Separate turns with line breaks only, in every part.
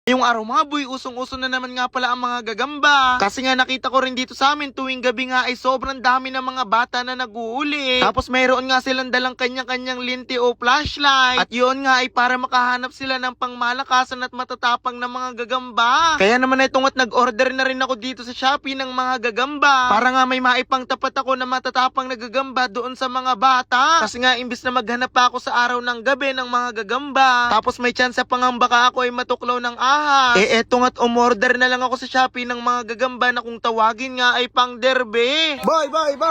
Yung araw mga boy, usong-uso na naman nga pala ang mga gagamba. Kasi nga nakita ko rin dito sa amin tuwing gabi nga ay sobrang dami ng mga bata na nag-uuli. Tapos mayroon nga silang dalang kanya-kanyang linti o flashlight. At yun nga ay para makahanap sila ng pangmalakasan at matatapang na mga gagamba. Kaya naman itong at nag-order na rin ako dito sa Shopee ng mga gagamba. Para nga may maipang tapat ako na matatapang na gagamba doon sa mga bata. Kasi nga imbis na maghanap pa ako sa araw ng gabi ng mga gagamba. Tapos may chance pa nga baka ako ay matuklaw ng ahas. Eto nga't umorder na lang ako sa Shopee ng mga gagamba na kung tawagin nga ay pang derby. Boy!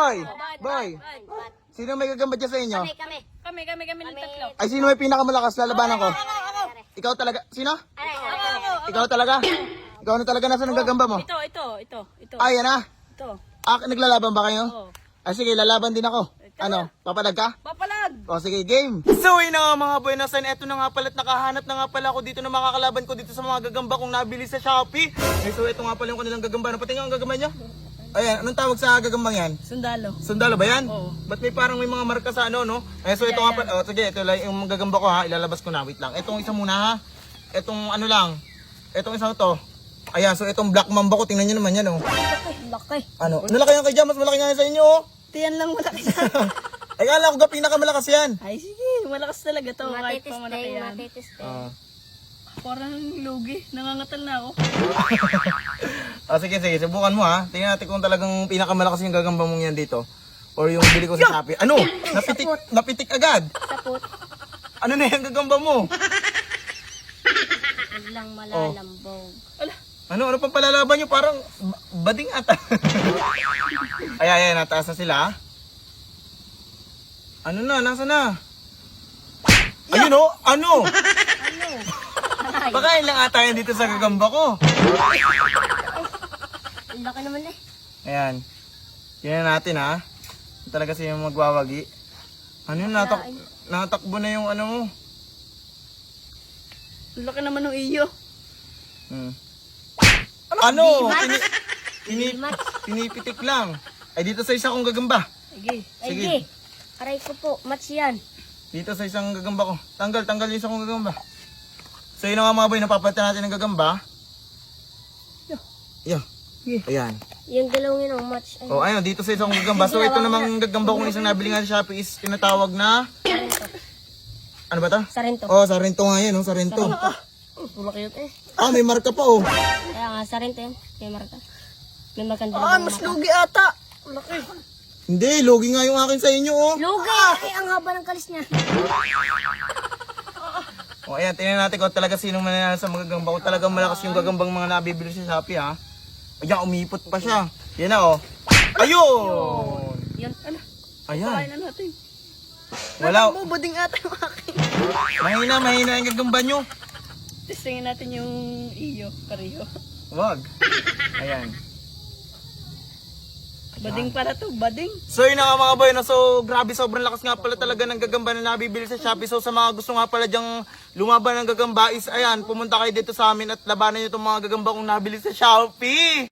Sino may gagamba dyan sa inyo?
Kami ng tatlo.
Ay, sino may pinakamalakas? Lalabanan ko.
Ako.
Ikaw talaga? Sino?
Ako.
Ikaw talaga? Ikaw na talaga nasa ng gagamba mo?
Ito.
Ay, yan ah.
Ito.
Naglalaban ba kayo?
Oo.
Ay, sige, lalaban din ako. Ano? Papalag ka?
Papalag.
O sige, game. So yun na nga mga boy, nasan eto na nga pala at nakahanap na nga pala ako dito na makakalaban ko dito sa mga gagamba kong nabili sa Shopee. So ito nga pala yung kanilang gagamba. Napatingin ang gagamba niya? Ayan, anong tawag sa gagambang yan?
Sundalo.
Sundalo ba yan?
Oo.
Ba't may parang may mga marka sa ano, no? So ito nga pala, sige, ito lang yung gagamba ko ha, ilalabas ko na, wait lang. Itong isa muna ha, itong ano lang, itong isang to. Ayan, so itong black mamba ko, tingnan nyo naman yan, oh.
Laki.
Ano, malaki yan kay Jam, mas malaki nga yan sa inyo, oh.
Tiyan lang malaki.
Ay, kala ko pinakamalakas yan.
Ay sige, malakas talaga to. Kahit pa malaki yan. Parang lugi. Nangangatal na ako.
Sige, subukan mo ha. Tingnan natin kung talagang pinakamalakas yung gagamba mong yan dito. Or yung bili ko sa Shopee. Ano? Napitik agad.
Sapot.
Ano na yung gagamba mo?
Lang malalambog.
Ano pang palalaban nyo? Parang bading ata. Ayan, nataas na sila. Ano na? Nasa na? Ayun o? Ano? Pakain lang ata yan dito sa gagamba ko.
Ang laki naman eh.
Ayan. Tingnan natin ha. Talaga siya magwawagi. Ano yun? Natakbo na yung ano mo.
Ang laki naman ng iyo.
Ano? Pinipitik lang. Ay dito sa isa kong gagamba.
Sige. Aray ko po, match yan.
Dito sa isang gagamba ko. Tanggal yung isa kong gagamba. So yun na nga mga boy, napapalitan natin ng gagamba. Yo. Ayan.
Yung dalawang yun ang match.
Oh, ayun, dito sa isang gagamba. So ito namang gagamba kong isang nabili nga sa Shopee is tinatawag na... Ano ba to?
Sarento.
Oh, Sarento nga yan, oh, Sarento.
Malaki yun eh.
May marka pa oh.
Kaya nga, Sarento yun. May marka. May marka
Mas lugi ata.
Malaki.
Hindi, lugi nga yung akin sa inyo oh.
Lugi! Ay, ang haba ng kalis niya.
O ayan, tingnan natin kung talaga sinong mananalo sa mga gagamba. Kung talagang malakas yung gagambang mga nabibili sa Shopee ha. Ayan, umipot pa siya. Yan na oh. Ayun!
Yun. Ano?
Ayan.
Kain na natin.
Wala.
Buding ata yung akin.
Mahina yung gagamba nyo.
Testingin natin yung iyo, pareho.
Wag. Ayan.
Bading para to, bading.
So yun na nga mga boy, no? So grabe sobrang lakas nga pala talaga ng gagamba na nabibili sa Shopee. So sa mga gusto nga pala dyang lumaban ng gagamba is ayan, pumunta kayo dito sa amin at labanan nyo itong mga gagamba kong nabili sa Shopee.